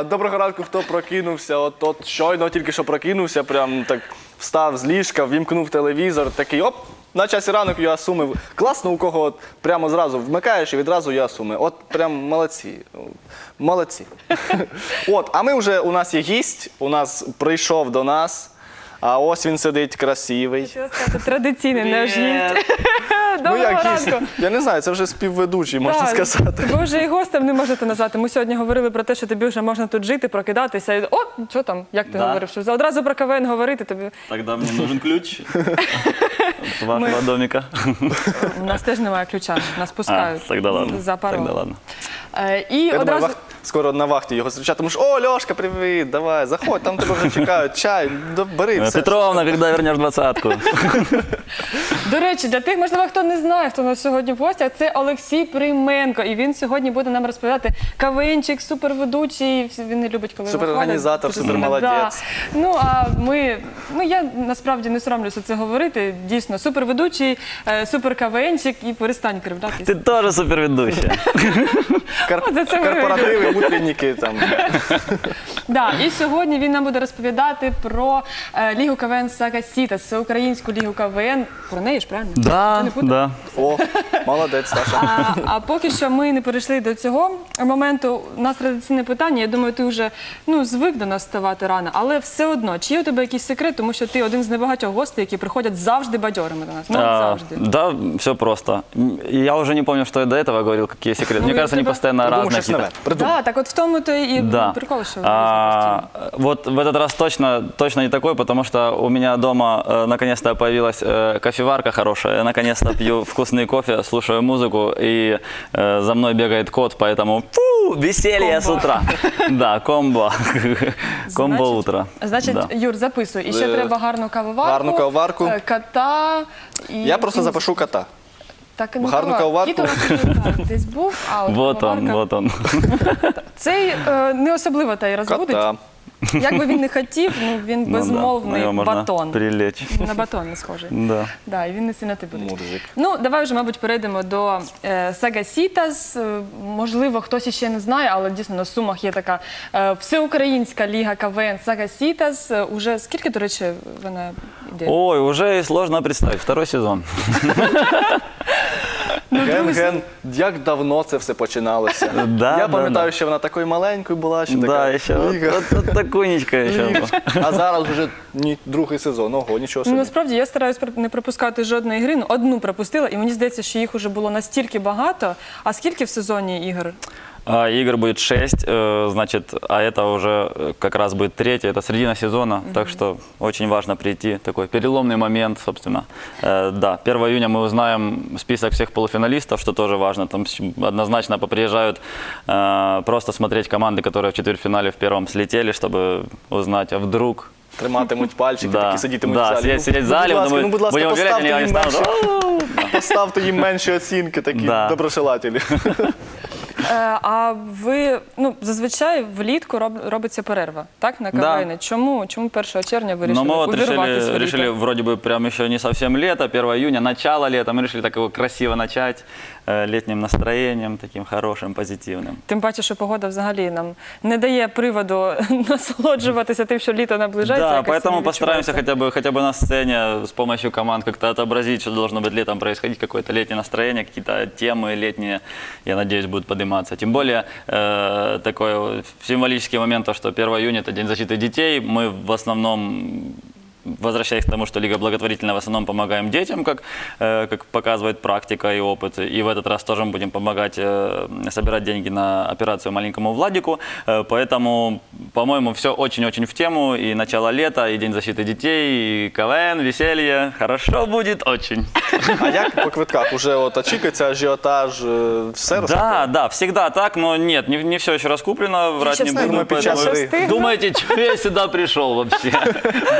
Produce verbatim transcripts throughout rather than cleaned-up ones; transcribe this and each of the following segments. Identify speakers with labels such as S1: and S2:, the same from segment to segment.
S1: А, доброго ранку, хто прокинувся. От, от щойно тільки що прокинувся, прям так встав з ліжка, вімкнув телевізор, такий оп, на часі ранок ЮА Суми. Класно, у кого от прямо зразу вмикаєш і відразу ЮА Суми. От прям молодці. Молодці. От, а ми вже, у нас є гість, у нас прийшов до нас. А ось він сидить красивий.
S2: Що сказати, традиційний наш гість. Доброго
S1: Ну, як гість?
S2: ранку.
S1: Я не знаю, це вже співведучий, можна
S2: Так,
S1: сказати.
S2: Тебе вже і гостем не можете назвати. Ми сьогодні говорили про те, що тобі вже можна тут жити, прокидатися. І, о, що там, як ти
S3: Да.
S2: говорив, що одразу про КВН говорити тобі.
S3: Тогда мне нужен ключ от вашего домика.
S2: У нас теж немає ключа, нас пускають
S3: А, тогда ладно.
S2: за паролем.
S3: Тогда ладно.
S2: Е, І
S1: Я думаю,
S2: одразу...
S1: вах... скоро на вахті його зустрічатиму. О, Льошка, привіт, давай, заходь, там тебе вже чекають, чай, да, бери
S3: Э,
S1: все.
S3: Петровна, когда вернешь двадцатку?
S2: До речі, для тих, можливо, хто не знає, хто у нас сьогодні в гостях, це Олексій Прийменко. І він сьогодні буде нам розповідати КВНчик, суперведучий. Він не любить, коли
S1: Суперорганізатор,
S2: виходить.
S1: супермолодець.
S2: Да. Ну, а ми, ну я насправді не соромлюся це говорити. Дійсно, суперведучий, е, суперКВНчик і перестань кривдатися.
S3: Ты тоже суперведущая.
S1: Кар...
S2: О, за це ми
S1: Корпоративи, утренніки там.
S2: Да, і сьогодні він нам буде розповідати про е, Лігу КВН Сага Сітас, всеукраїнську Лігу КВН. Про неї ж, правильно?
S3: Да,
S2: Чи не путаю?
S3: да.
S1: О, молодець, Саша.
S2: А, а поки що ми не перейшли до цього моменту. У нас традиційне питання. Я думаю, ти вже ну, звик до нас ставати рано, але все одно, чи є у тебе якийсь секрет, тому що ти один з небагатьох гостей, які приходять завжди бадьорими до нас. Ну, от
S3: А,
S2: завжди.
S3: Да, все просто. И Я уже не помню, что я до этого говорил, какие секреты.
S2: Ну,
S3: Мне
S2: я
S3: кажется, они
S2: тебя-
S3: постоянно
S1: Придумав
S3: разные
S1: щось нове.
S3: какие-то.
S1: Придумав.
S2: Да, так от в тому то і
S3: Да.
S2: прикол, що
S3: А, вот в этот раз точно, точно не такой, потому что у меня дома э, наконец-то появилась э, кофеварка хорошая. Я наконец-то пью вкусный кофе, слушаю музыку, и э, за мной бегает кот, поэтому фу, веселье с
S2: Комбо.
S3: утра. Да, комбо. Комбо
S2: Значить-
S3: утро.
S2: Значить,
S3: Да.
S2: Юр, записуй. І ще
S1: Е,
S2: треба гарну кавоварку,
S1: гарну кавоварку.
S2: е, кота. І...
S1: Я просто
S2: і-
S1: запишу кота.
S2: Так, ну,
S1: гарну
S2: кава-
S1: кавоварку.
S2: Кіт у нас вже, так, десь був, а от
S3: Вот он,
S2: кавоварка-
S3: вот он.
S2: Цей е, не особливо та й розводить.
S1: Кота.
S2: Як би він не хотів, ну він
S3: Ну да,
S2: безмовний
S3: на него можно
S2: батон.
S3: прилечь.
S2: На батон не схожий.
S3: Да.
S2: Да, і він не сильно ти буде.
S1: Мурзик.
S2: Ну, давай вже, мабуть, перейдемо до е, Сага Сітас. Е, можливо, хтось іще не знає, але дійсно на Сумах є така е, всеукраїнська ліга КВН Сага Сітас. Е, уже скільки, до речі, вона йде?
S3: Ой, уже и сложно представить. Второй сезон.
S1: Ген-ген, як давно це все починалося.
S3: Да,
S1: Я
S3: да,
S1: пам'ятаю,
S3: да.
S1: що вона такою маленькою була, що така
S3: Да, еще вот,
S1: ліга.
S3: вот, вот такунечка еще. была.
S1: А зараз вже ні, другий сезон, ого, нічого
S2: Ну,
S1: собі.
S2: насправді, я стараюсь пр- не пропускати жодної гри, ну, одну пропустила, і мені здається, що їх уже було настільки багато. А скільки в сезоні ігор?
S3: А, Игр будет шесть, э, значит, а это уже э, как раз будет третья, это середина сезона, так что очень важно прийти, такой переломный момент, собственно. Э, Да, первого июня мы узнаем список всех полуфиналистов, что тоже важно, там с- однозначно поприезжают э, просто смотреть команды, которые в четвертьфинале в первом слетели, чтобы узнать, а вдруг...
S1: Триматимуть пальчики,
S3: Да,
S1: такі сидітимуть
S3: да,
S1: в залі.
S3: сидять- сидять в залі,
S1: будь ласка,
S3: вони
S1: ну, будь ласка,
S3: будемо говорити,
S1: поставте
S3: вони
S1: їм,
S3: стануть,
S1: менші, поставте їм менші оцінки, такі
S3: Да.
S1: доброшелателі.
S2: Е, а ви, ну, зазвичай влітку роб, робиться перерва, так, на
S3: Да.
S2: КВН? Чому? Чому першого червня вирішили
S3: Но мы вот
S2: увірватися
S3: решили,
S2: в літо?
S3: решили вроде бы прям еще не совсем лето, первого июня, начало лета, мы решили так его красиво начать, э, летним настроением, таким хорошим, позитивным.
S2: Тим паче, що погода взагалі нам не дає приводу насолоджуватися тим, що літо наближається.
S3: Да,
S2: якось
S3: поэтому
S2: не
S3: постараемся
S2: відчувається.
S3: хотя бы, хотя бы на сцене с помощью команд как-то отобразить, что должно быть летом происходить, какое-то летнее настроение, какие-то темы летние, я надеюсь, будут подниматься. Тем более э, такой вот символический момент, то, что первого июня это День защиты детей, мы в основном... Возвращаясь к тому, что Лига благотворительная, в основном помогаем детям, как, э, как показывает практика и опыт. И в этот раз тоже мы будем помогать э, собирать деньги на операцию маленькому Владику. Э, поэтому, по-моему, все очень-очень в тему. И начало лета, и День защиты детей, и КВН, веселье. Хорошо будет очень.
S1: А як по квитках? Уже от очікується ажіотаж, е, все
S3: Да, да, всегда так, но нет, не, не все еще раскуплено, врать не
S2: Честно,
S3: буду.
S1: думаю,
S3: поэтому-
S1: сейчас
S2: стыдно.
S3: Думаете, что я сюда пришел вообще? Было бы все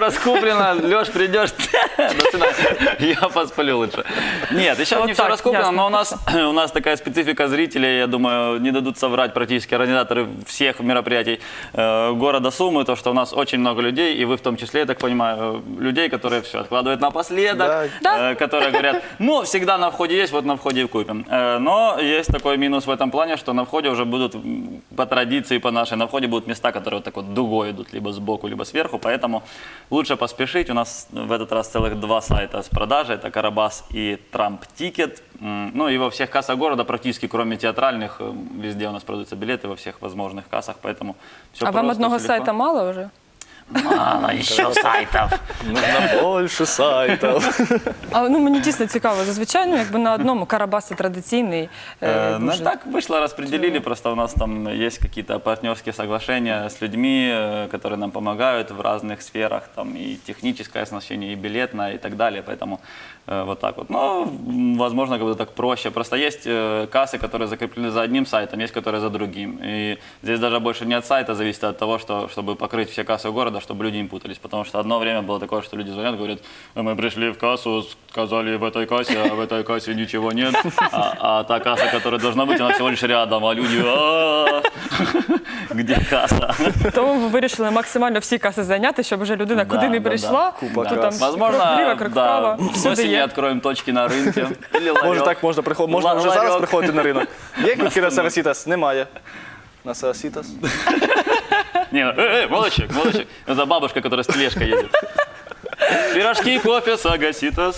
S3: раскуплено, Леш, придешь, до свидания, я посплю лучше. Нет, еще
S2: Вот
S3: не все
S2: так,
S3: раскуплено,
S2: ясно.
S3: но у нас, у нас такая специфика зрителей, я думаю, не дадут соврать практически организаторы всех мероприятий э, города Сумы, то, что у нас очень много людей, и вы в том числе, я так понимаю, людей, которые все откладывают напоследок,
S2: Да.
S3: э, которые говорят, ну, всегда на входе есть, вот на входе и купим. Э, но есть такой минус в этом плане, что на входе уже будут, м, по традиции, по нашей, на входе будут места, которые вот так вот дугой идут, либо сбоку, либо сверху, поэтому лучше поспешить. У нас в этот раз целых два сайта с продажи, это Карабас и Трамп Тикет. М, Ну и во всех кассах города, практически кроме театральных, э, везде у нас продаются билеты, во всех возможных кассах, поэтому все
S2: А вам одного сайта мало вже?
S3: Мало еще сайтов.
S1: Нужно більше сайтів.
S2: А ну мені дійсно цікаво. Зазвичай, ну якби на одному Карабас це традиційний. е,
S3: Э, Ну
S2: дуже.
S3: так вышло, распределили, просто у нас там есть какие-то партнерские соглашения с людьми, э, которые нам помогают в разных сферах, там и техническое оснащение, и билетное, и так далее, поэтому э, вот так вот. Но, м, возможно, как бы так проще. Просто есть э, кассы, которые закреплены за одним сайтом, есть, которые за другим. И здесь даже больше не от сайта зависит, а от того, что, чтобы покрыть все кассы города, чтобы люди не путались. Потому что одно время было такое, что люди звонят, говорят, мы пришли в кассу, сказали в этой кассе, а в этой кассе ничего нет. А, а та касса, которая должна быть, она всего лишь рядом, а люди, «А, где касса?
S2: Тому ви вирішили максимально всі каси зайняти, щоб вже людина
S3: Да,
S2: куди не
S3: да,
S2: прийшла,
S1: да.
S2: то
S1: Купа
S2: там
S1: кас.
S3: Возможно,
S2: крок вліво, крок
S3: да,
S2: вправо,
S3: с
S2: всюди
S3: осени
S2: є.
S3: откроем точки на рынке. Или
S1: Може
S3: ларек.
S1: так, можна приходити, можна вже
S3: Ларьок.
S1: зараз приходити на ринок. Є квитки на Сарасітас? Немає. На Сарасітас?
S3: Не, э, э, молодчик, молодчик. Это бабушка, которая с тележкой едет. Пирожки, кофе, сагаситас.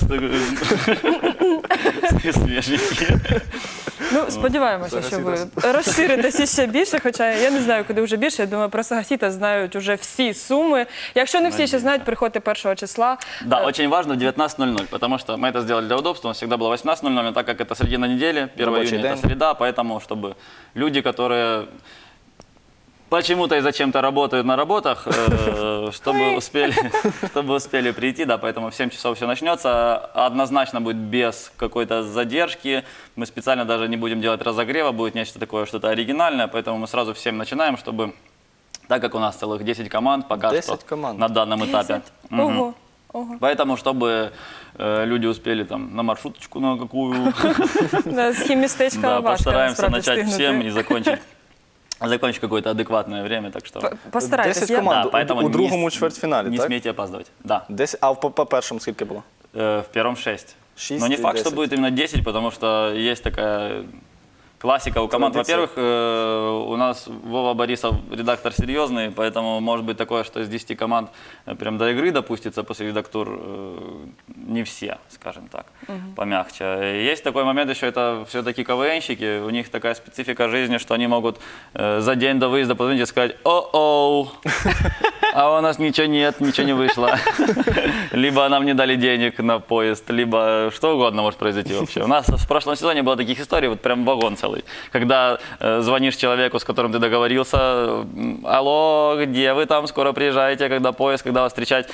S3: Свеженькие.
S2: Ну, сподіваємося, що ви розширитеся ще більше, хоча я не знаю, куди вже більше. Я думаю, про Сагасіта знають вже всі Суми. Якщо не всі ще знають, приходьте першого числа.
S3: Да, очень важно девятнадцать ноль ноль, потому что мы это сделали для удобства, у нас всегда было восемнадцать ноль ноль, но так как это середина недели, первое
S1: Рабочий
S3: июня это
S1: день.
S3: среда, поэтому чтобы люди, которые почему-то и зачем-то работают на работах, э, чтобы успели, чтобы успели прийти, да, поэтому в семь часов все начнется, однозначно будет без какой-то задержки, мы специально даже не будем делать разогрева, будет нечто такое, что-то оригинальное, поэтому мы сразу в семь начинаем, чтобы, так как у нас целых десять команд пока
S1: десять
S3: что
S1: команд.
S3: на данном этапе. Мгм.
S2: Ого, ого.
S3: Поэтому, чтобы э, люди успели там на маршруточку на какую,
S2: Да, з хіммістечка
S3: да,
S2: важко
S3: постараемся
S2: насправді
S3: начать всем
S2: встигнути.
S3: и закончить, закончить какое-то адекватное время, так что
S2: П- Постарайтесь.
S1: десять
S2: Я-
S1: команд
S3: Да,
S1: у-
S3: поэтому
S1: у
S3: не
S1: другому
S3: с-
S1: чвертьфіналі,
S3: не
S1: так?
S3: смейте опаздывать. Да,
S1: Десять, а по, по першому скільки було?
S3: Э, в первом шесть.
S1: Шесть
S3: Но не
S1: и
S3: факт, что
S1: десять.
S3: будет именно десять, потому что есть такая классика у команд.
S1: Традиция.
S3: Во-первых, э, у нас Вова Борисов редактор серьезный, поэтому может быть такое, что из десяти команд э, прям до игры допустится после редактур э, не все, скажем так, помягче. Есть такой момент еще, это все-таки КВНщики, у них такая специфика жизни, что они могут э, за день до выезда позвонить и сказать: «О-оу, а у нас ничего нет, ничего не вышло». Либо нам не дали денег на поезд, либо что угодно может произойти вообще. У нас в прошлом сезоне было таких историй, вот прям вагон целый. Когда э, звонишь человеку, с которым ты договорился: м, алло, где вы там, скоро приезжаете, когда поезд, когда вас встречать?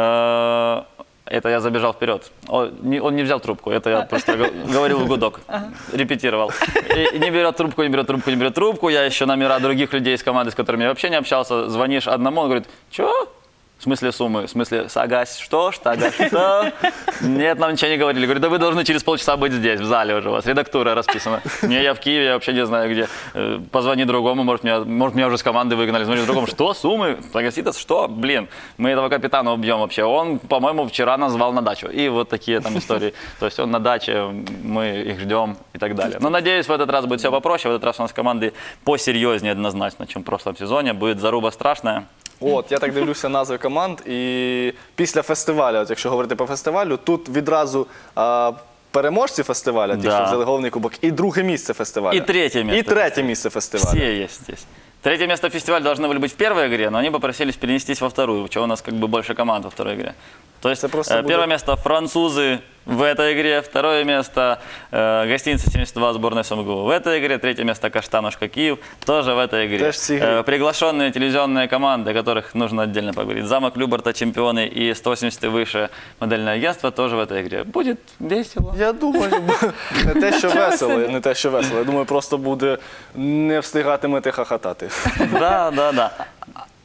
S3: Э, Это я забежал вперед. Он не, он не взял трубку, это я просто го- говорил в гудок, репетировал. И не берет трубку, не берет трубку, не берет трубку. Я еще номера других людей из команды, с которыми я вообще не общался. Звонишь одному, он говорит: чё? В смысле суммы? В смысле Сагась? Что? Штагась? Что? Нет, нам ничего не говорили. Говорю: да вы должны через полчаса быть здесь, в зале уже, у вас редактура расписана. Не, я в Киеве, я вообще не знаю где. Э, Позвони другому, может меня, может, меня уже с команды выгнали. Звоню другому: что, суммы? Сагаситас? Что? Блин, мы этого капитана убьем вообще. Он, по-моему, вчера нас звал на дачу. И вот такие там истории. То есть он на даче, мы их ждем и так далее. Но надеюсь, в этот раз будет все попроще. В этот раз у нас команды посерьезнее однозначно, чем в прошлом сезоне. Будет заруба страшная.
S1: От, я так дивлюся назви команд, і після фестивалю, от якщо говорити по фестивалю, тут відразу а, переможці фестивалю, ті,
S3: Да.
S1: що взяли головний кубок, і друге місце фестивалю.
S3: І третє місце
S1: І третє місце фестивалю.
S3: Все есть здесь. Третье место фестиваля должны были быть в первой игре, но они попросились перенестись во вторую, чего у нас как бы больше команд во второй игре. То есть
S1: Это просто
S3: э,
S1: будет-
S3: первое место французы в этой игре, второе место э, гостиница семьдесят два сборной СМГУ в этой игре, третье место Каштанушка Киев тоже в этой игре.
S1: Тоже все игры.
S3: Э, приглашенные телевизионные команды, о которых нужно отдельно поговорить. Замок Любарта, чемпионы и сто восемьдесят и выше модельное агентство тоже в этой игре. Будет весело.
S1: Я думаю, не те, що весело, не те, що весело. Я думаю, просто буде не встигатимете хахатати.
S3: Да, да, да.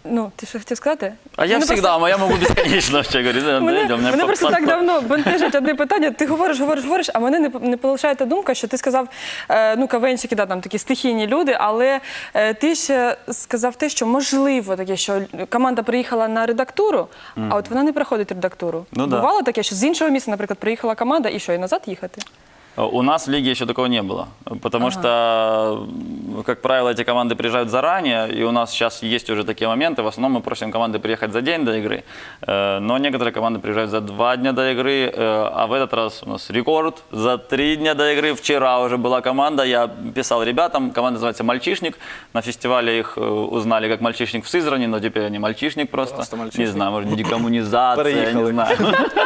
S2: Ну, ти що хотів сказати?
S3: А я
S2: Мене
S3: всегда, а я могу бесконечно вообще говорить. да,
S2: Мене,
S3: да, у меня
S2: мене
S3: по-
S2: просто
S3: по-
S2: так
S3: по-
S2: давно бентежить одне питання. Ти говориш, говориш, говориш, а мене не, не полишає та думка, що ти сказав, е, ну, кавенщики, да, там такі стихійні люди, але е, ти ще сказав те, що можливо таке, що команда приїхала на редактуру, а от вона не проходить редактуру.
S3: Ну, да.
S2: Бувало таке, що з іншого міста, наприклад, приїхала команда, і що, і назад їхати?
S3: У нас в лиге еще такого не было, потому что, как правило, эти команды приезжают заранее, и у нас сейчас есть уже такие моменты. В основном мы просим команды приехать за день до игры, э, но некоторые команды приезжают за два дня до игры, э, а в этот раз у нас рекорд за три дня до игры. Вчера уже была команда, я писал ребятам, команда называется «Мальчишник». На фестивале их э, узнали как «Мальчишник» в Сызрани, но теперь они «Мальчишник» просто.
S1: Просто «Мальчишник».
S3: Не знаю, может, декоммунизация, я не
S1: Переехали.
S3: знаю.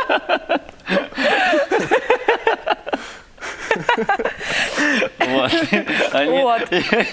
S3: Вот. Они-
S2: Вот.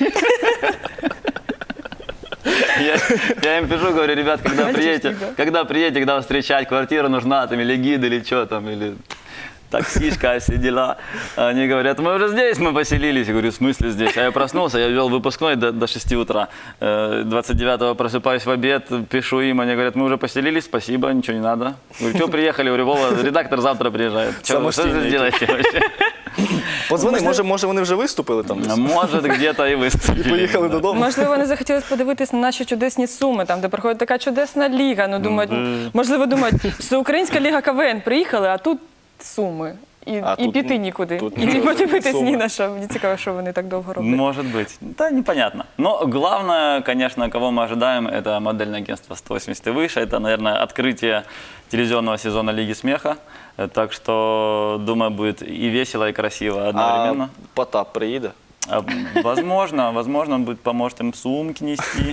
S3: Я, я им пишу, говорю, ребят, когда приедете,
S2: да.
S3: когда приедете, когда вас встречать, квартира нужна, там, или гид, или что там, или таксишка, все дела. Они говорят, мы уже здесь, мы поселились. Я говорю, в смысле здесь? А я проснулся, я вел выпускной до, до шести утра. Э, двадцать девятого просыпаюсь в обед, пишу им, они говорят, мы уже поселились, спасибо, ничего не надо. Говорю, что приехали? Говорю, Вова, редактор завтра приезжает. Что, что вы
S1: Самостійний.
S3: делаете вообще?
S1: Позвони, може, може вони вже виступили там десь?
S3: Может, где-то и выступили.
S1: Поїхали
S3: да.
S1: додому.
S2: Можливо, вони захотіли подивитись на наші чудесні Суми, там, де проходить така чудесна ліга. Ну, думають, можливо, думають, Всеукраїнська ліга КВН приїхали, а тут Суми. І,
S1: А
S2: і
S1: тут
S2: піти
S1: ні-
S2: нікуди.
S1: тут
S2: І не
S1: нічого,
S2: подивитись
S1: Суми.
S2: ні на що. Мені цікаво, що вони так довго роблять.
S3: Может быть. Да, непонятно. Но главное, конечно, кого мы ожидаем, это модельное агентство сто восемьдесят и выше. Это, наверное, открытие телевизионного сезона Лиги смеха. Э, Так что, думаю, будет и весело, и красиво
S1: А
S3: одновременно.
S1: Потап приїде?
S3: А, возможно, возможно, он будет, поможет им сумки нести.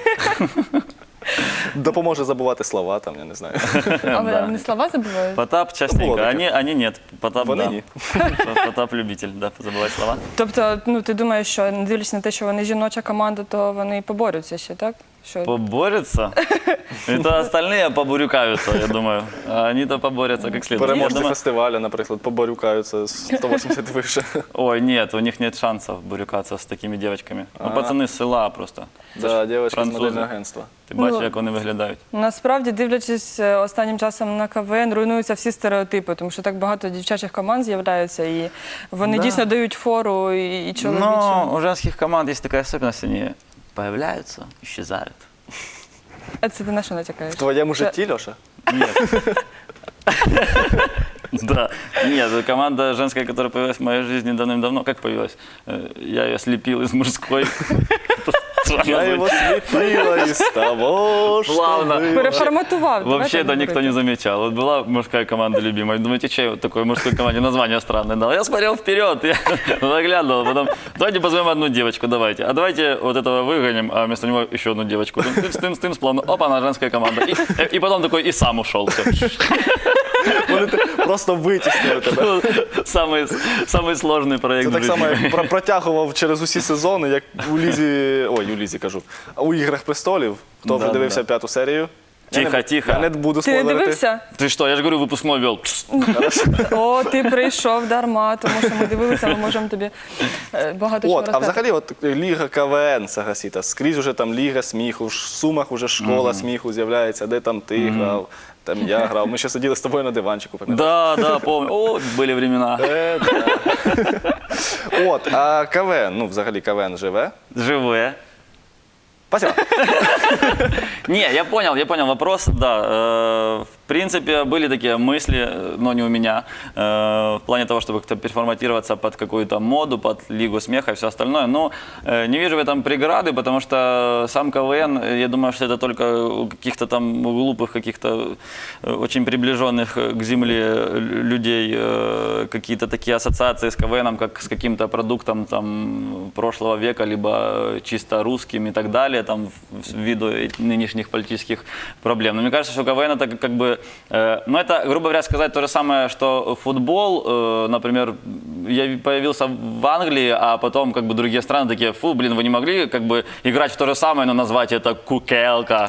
S1: Допоможе забувати слова там, я не знаю.
S2: Але
S3: Да.
S2: вони слова забувають.
S3: Потап частенько.
S1: было
S3: Они, они нет. Потап,
S1: Вони
S3: да.
S1: ні.
S3: Потап любитель, да, забывать слова.
S2: Тобто, ну, ти думаєш, що не дивлячись на те, що вони жіноча команда, то вони поборються ще, так? Що...
S3: Поборются? Это остальные побурюкаются, я думаю. А они-то поборются как следует. Я
S1: Переможці
S3: думаю-
S1: фестивалю, наприклад, поборюкаються з сто вісімдесят вище.
S3: Ой, нет, у них нет шансов бурюкаться с такими девочками. Ну,
S1: Ага.
S3: пацаны з села просто.
S1: Да, дівчинка з
S3: французи.
S1: модельного агентства.
S3: Ти бачиш,
S2: Ну,
S3: як вони виглядають?
S2: Насправді, дивлячись е, останнім часом на КВН, руйнуються всі стереотипи, тому що так багато дівчачих команд з'являються, і вони
S3: Да.
S2: дійсно дають фору і, і чоловічим.
S3: Но у женских команд есть такая особенность, они появляются, исчезают.
S2: А це ти на що натякаєш?
S1: В твоєму
S2: Це-
S1: житті, Льоша?
S3: Нет. Да, нет, команда женская, которая появилась в моей жизни давным-давно, как появилась? Э, Я ее слепил из мужской.
S1: Я його сліпила із того, що
S3: Плавно.
S1: було.
S2: Переформатував. давай
S3: Вообще
S2: так
S3: это никто не
S2: говорити.
S3: замечал. Вот была мужская команда любимая. Думаете, че я вот такой мужской команде название странное дал? Я смотрел вперед, я заглядывал. Потом, давайте позовем одну девочку, давайте. А давайте вот этого выгоним, а вместо него еще одну девочку. Тымс, тымс, тымс, плавно. Опа, она женская команда. И, и потом такой и сам ушел. Все.
S1: Вони те- просто витіснили тебе.
S3: Самый, самый сложный проект
S1: Це
S3: в
S1: так само,
S3: жизни.
S1: як про- протягував через усі сезони, як у Лізі, ой, у Лізі кажу, а у «Іграх престолів», хто вже
S3: Да,
S1: дивився
S3: да.
S1: п'яту серію. Я
S3: Тихо,
S1: не-
S3: тихо.
S1: Я не буду
S2: Ти не
S1: спойлерити.
S2: дивився?
S3: Ты что, я же говорю, выпускной вел. Пс.
S2: О, ти прийшов дарма, тому що ми дивилися, ми можемо тобі е, багато чого
S1: От, а
S2: розказати.
S1: взагалі, от Ліга КВН, Сагасіта, скрізь уже там Ліга сміху, в Сумах уже школа сміху з'являється, де там ти грав, там я грав. Ми ще сиділи з тобою на диванчику, пам'ятаєш?
S3: Да, да, помню. О, были времена.
S1: Е, да. От, а КВН, ну взагалі КВН живе.
S3: Живые.
S1: Спасибо.
S3: Не, я понял, я понял вопрос, да. э, В принципе, были такие мысли, э, но не у меня, э, в плане того, чтобы как-то переформатироваться под какую-то моду, под Лигу смеха и все остальное. Но э, не вижу в этом преграды, потому что сам КВН, э, я думаю, что это только у каких-то там глупых, каких-то э, очень приближенных э, к земле э, людей э, какие-то такие ассоциации с КВНом, как с каким-то продуктом там прошлого века, либо э, чисто русским и так далее, там в- ввиду нынешних политических проблем. Но мне кажется, что КВН это как- как бы, э, ну это, грубо говоря, сказать то же самое, что футбол, э, например, я появился в Англии, а потом как бы другие страны такие, фу, блин, вы не могли как бы играть в то же самое, но назвать это кукелка.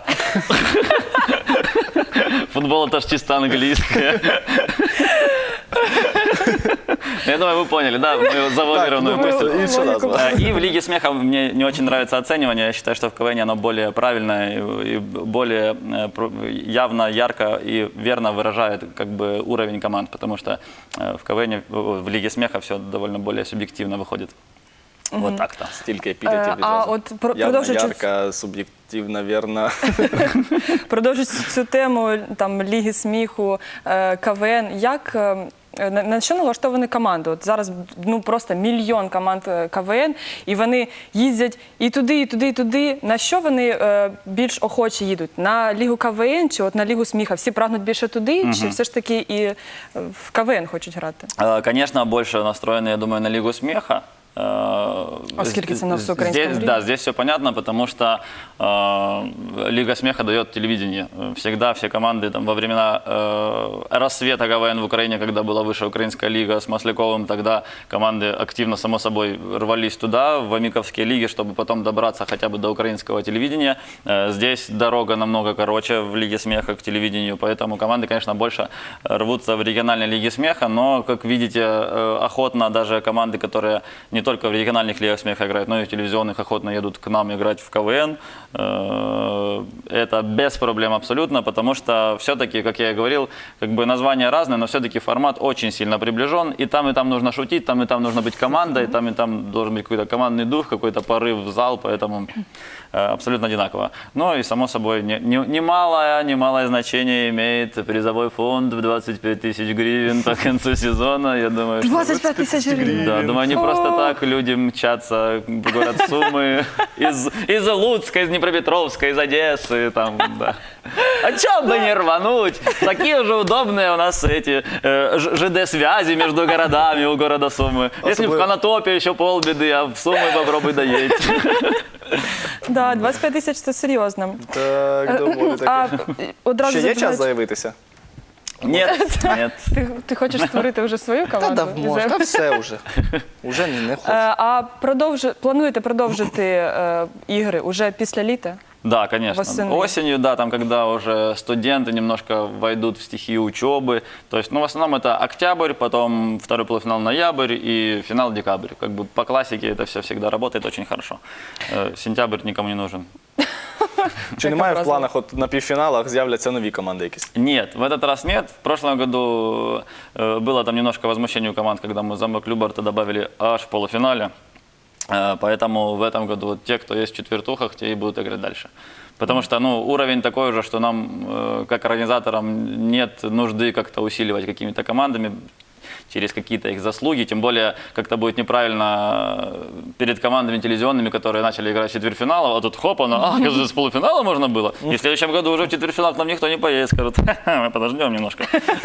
S3: Футбол это ж чисто английское. Я думаю, вы поняли, да, мою завуалированную
S1: Так,
S3: мысль.
S1: думаю, и всё
S2: логику.
S1: назва.
S3: Э, И в Лиге смеха мне не очень нравится оценивание. Я считаю, что в КВН оно более правильное и и более э, про- явно, ярко и верно выражает как бы уровень команд, потому что э, в КВН, в в Лиге смеха все довольно более субъективно выходит. Вот так-то.
S1: Стільки епітетів
S2: Е, а
S1: відразу.
S2: от про-
S1: Явно,
S2: продовжуючи-
S1: ярка, суб'єктивна, вірна.
S2: Продовжуючи цю тему там Ліги сміху, е, КВН, як е, на, на що налаштовані команди? От зараз ну просто мільйон команд е, КВН, і вони їздять і туди, і туди, і туди. На що вони е, більш охоче їдуть? На Лігу КВН чи от на Лігу сміха? Всі прагнуть більше туди, чи все ж таки і е, в КВН хочуть грати?
S3: Э, Конечно, больше настроены, я думаю, на Лигу смеха. Э,
S2: А скільки це на
S3: з-
S2: всеукраїнському
S3: здесь,
S2: рівні?
S3: Да, здесь все понятно, потому что э, Лига смеха дает телевидение. Всегда все команды там, во времена э, рассвета КВН в Украине, когда была высшая украинская лига с Масляковым, тогда команды активно, само собой, рвались туда, в амиковские лиги, чтобы потом добраться хотя бы до украинского телевидения. Э, Здесь дорога намного короче в Лиге смеха к телевидению, поэтому команды, конечно, больше рвутся в региональной Лиге смеха, но, как видите, э, охотно даже команды, которые не только в региональных лигах смеха играют, но и в телевизионных, охотно едут к нам играть в КВН. Э, Это без проблем абсолютно, потому что все-таки, как я и говорил, как бы названия разные, но все-таки формат очень сильно приближен. И там, и там нужно шутить, там, и там нужно быть командой, там, и там должен быть какой-то командный дух, какой-то порыв в зал, поэтому э, абсолютно одинаково. Ну и, само собой, не- не- немалое, немалое значение имеет призовой фонд в двадцать пять тысяч гривен по концу сезона. Я думаю, что...
S2: двадцять п'ять тисяч гривень.
S3: Да, думаю, не просто
S2: О.
S3: так люди мчатся в город Сумы, из, из Луцка, из Днепропетровска, из Одессы, там, да. А чем бы не рвануть? Такие уже удобные у нас эти э, ж- ЖД-связи между городами у города Сумы. Если в
S1: Особливо-
S3: Конотопе еще полбеды, а в Сумы попробуй доедь.
S2: Да, двадцять п'ять тисяч це серйозно.
S1: Так, доволі
S2: А
S1: таке.
S2: е, одразу
S1: Ще є час
S2: забігаючи-
S1: заявитися?
S3: Нет, нет.
S2: Ти, ти хочеш створити вже свою
S1: Та
S2: команду?
S1: да, можна, та все вже. Уже не, не
S2: Е,
S1: хочу.
S2: А продовжу, плануєте продовжити е, ігри уже після літа?
S3: Да, конечно.
S2: Восенью.
S3: Осенью, да, там, когда уже студенты немножко войдут в стихию учебы. То есть, ну, в основном это октябрь, потом второй полуфинал ноябрь и финал декабрь. Как бы по классике это все всегда работает очень хорошо. Э, Сентябрь никому не нужен.
S1: Чи немає в
S2: образно.
S1: планах, от на півфіналах з'являться нові команди якісь?
S3: Нет, в этот раз нет. В прошлом году э, было там немножко возмущение у команд, когда мы замок Любарта добавили аж в полуфинале. Э, Поэтому в этом году вот те, кто есть в четвертухах, те и будут играть дальше. Потому что ну, уровень такой уже, что нам, э, как организаторам, нет нужды как-то усиливать какими-то командами через какие-то их заслуги, тем более как-то будет неправильно перед командами телевизионными, которые начали играть в четвертьфинал, а тут хоп, оно, а, оказывается, с полуфинала можно было. И в следующем году уже в четвертьфинал к нам никто не поедет, скажут, ха-ха, мы подождем немножко,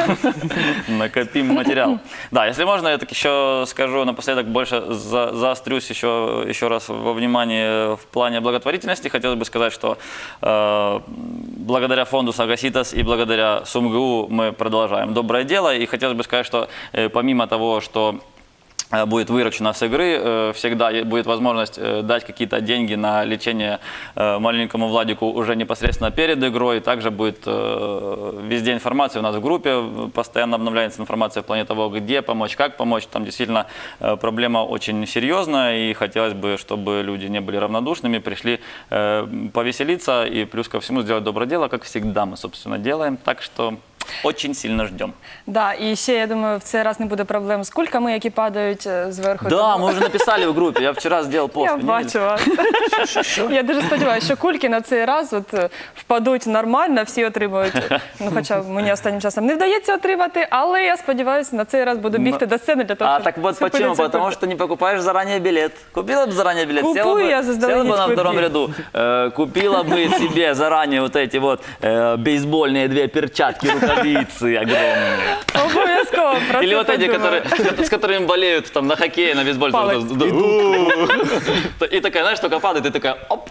S3: накопим материал. Да, если можно, я так еще скажу напоследок, больше за- заострюсь еще, еще раз во внимании в плане благотворительности. Хотелось бы сказать, что э, благодаря фонду Сагаситас и благодаря СумГУ мы продолжаем доброе дело. И хотелось бы сказать, что э, помимо того, что э, будет выручено с игры, э, всегда е- будет возможность э, дать какие-то деньги на лечение э, маленькому Владику уже непосредственно перед игрой. Также будет э, везде информация у нас в группе, э, постоянно обновляется информация в плане того, где помочь, как помочь. Там действительно э, проблема очень серьезная, и хотелось бы, чтобы люди не были равнодушными, пришли э, повеселиться и плюс ко всему сделать доброе дело, как всегда мы, собственно, делаем. Так что очень сильно ждем.
S2: Да, і ще я думаю, в цей раз не буде проблем з кульками, які падають е, зверху.
S3: Да,
S2: Тому-
S3: мы уже написали в группе, я вчера сделал пост.
S2: Я
S3: вы не видели?
S2: бачила. Я дуже сподіваюся, що кульки на цей раз от е, впадуть нормально, всі отримують. Ну, хоча мені останнім часом не вдається отримати, але я сподіваюся, на цей раз буду бігти до сцени для того,
S3: А
S2: щоб
S3: так вот
S2: схопити
S3: почему?
S2: цю
S3: Потому
S2: кульку.
S3: что не покупаешь заранее билет. Купила бы заранее билет,
S2: Купую
S3: села бы,
S2: я заздалегідь
S3: села бы на втором
S2: квитки.
S3: ряду, э, купила бы себе заранее вот эти вот э, бейсбольные две перчатки, рукавицы огромные.
S2: Обов'язково про
S3: Или
S2: це
S3: вот эти,
S2: подумаю.
S3: которые, с которыми болеют там на хоккее, на бейсболе.
S2: Палец.
S3: И такая, знаешь, только падает, и такая, оп.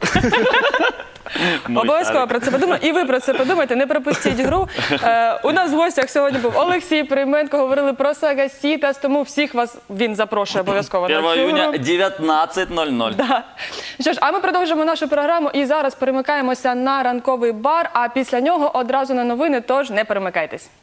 S3: Мой
S2: Обов'язково
S3: шарик.
S2: про це подумаю. І ви про це подумайте, не пропустіть гру. Е, у нас в гостях сьогодні був Олексій Прийменко, говорили про Сагасітас, тому всіх вас він запрошує обов'язково на
S3: первого
S2: цю
S3: июня
S2: гру.
S3: девятнадцать ноль ноль.
S2: Да. Що ж, а ми продовжимо нашу програму і зараз перемикаємося на ранковий бар, а після нього одразу на новини, тож не перемикайтесь.